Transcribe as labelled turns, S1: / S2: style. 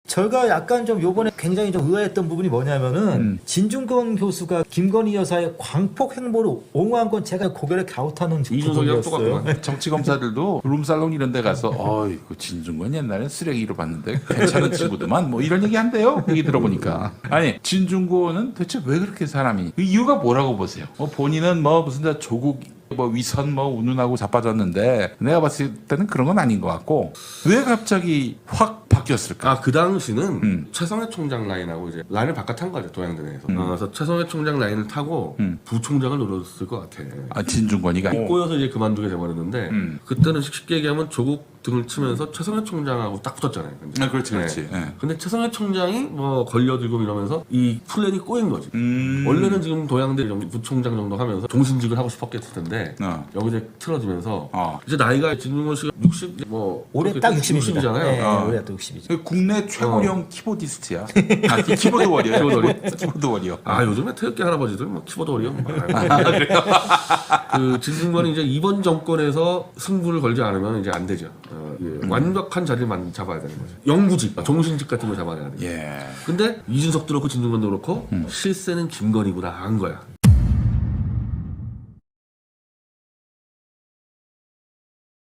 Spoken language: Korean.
S1: 저희가 약간 좀 요번에 굉장히 좀 의아했던 부분이 뭐냐면은 진중권 교수가 김건희 여사의 광폭 행보를 옹호한 건 제가 고개를 갸웃하는
S2: 이준석이랑
S1: 부분이었어요.
S2: 똑같구만. 정치 검사들도 룸살롱 이런 데 가서 그 진중권 옛날엔 쓰레기로 봤는데 괜찮은 친구더만 뭐 이런 얘기 한대요. 얘기 들어보니까. 아니 진중권은 대체 왜 그렇게 사람이 그 이유가 뭐라고 보세요? 본인은 뭐 무슨 조국 위선 운운하고 자빠졌는데 내가 봤을 때는 그런 건 아닌 것 같고 왜 갑자기 확 바뀌었을까?
S3: 그 당시는 최성해 총장 라인하고 이제 라인을 바깥한 거죠, 동양대내에서. 그래서 최성해 총장 라인을 타고 부총장을 노렸을 것 같아.
S2: 진중권이가
S3: 꼬여서 이제 그만두게 돼버렸는데 그때는 쉽게 얘기하면 조국 등을 치면서 최성해 총장하고 딱 붙었잖아요. 근데.
S2: 그렇지. 네.
S3: 근데 최성해 총장이 걸려들고 이러면서 이 플랜이 꼬인 거지. 원래는 지금 도양대 부총장 정도 하면서 종신직을 하고 싶었겠을 텐데 여기 이제 틀어지면서 이제 나이가 진중권 씨가 60
S1: 올해 딱
S3: 60이잖아요.
S1: 네, 올해 딱 60이죠.
S2: 국내 최고령 키보디스트야. 키보드 워리어. 키보드 워리어.
S3: 요즘에 태극기 할아버지들 키보드 워리어. 그 진중권이 이제 이번 정권에서 승부를 걸지 않으면 이제 안 되죠. 완벽한 자리를 잡아야 되는 거죠. 영구직, 종신직 같은 걸 잡아야 돼요.
S2: 예.
S3: 근데 이준석도 그렇고 진중권도 그렇고 실세는 김건희구나 한 거야.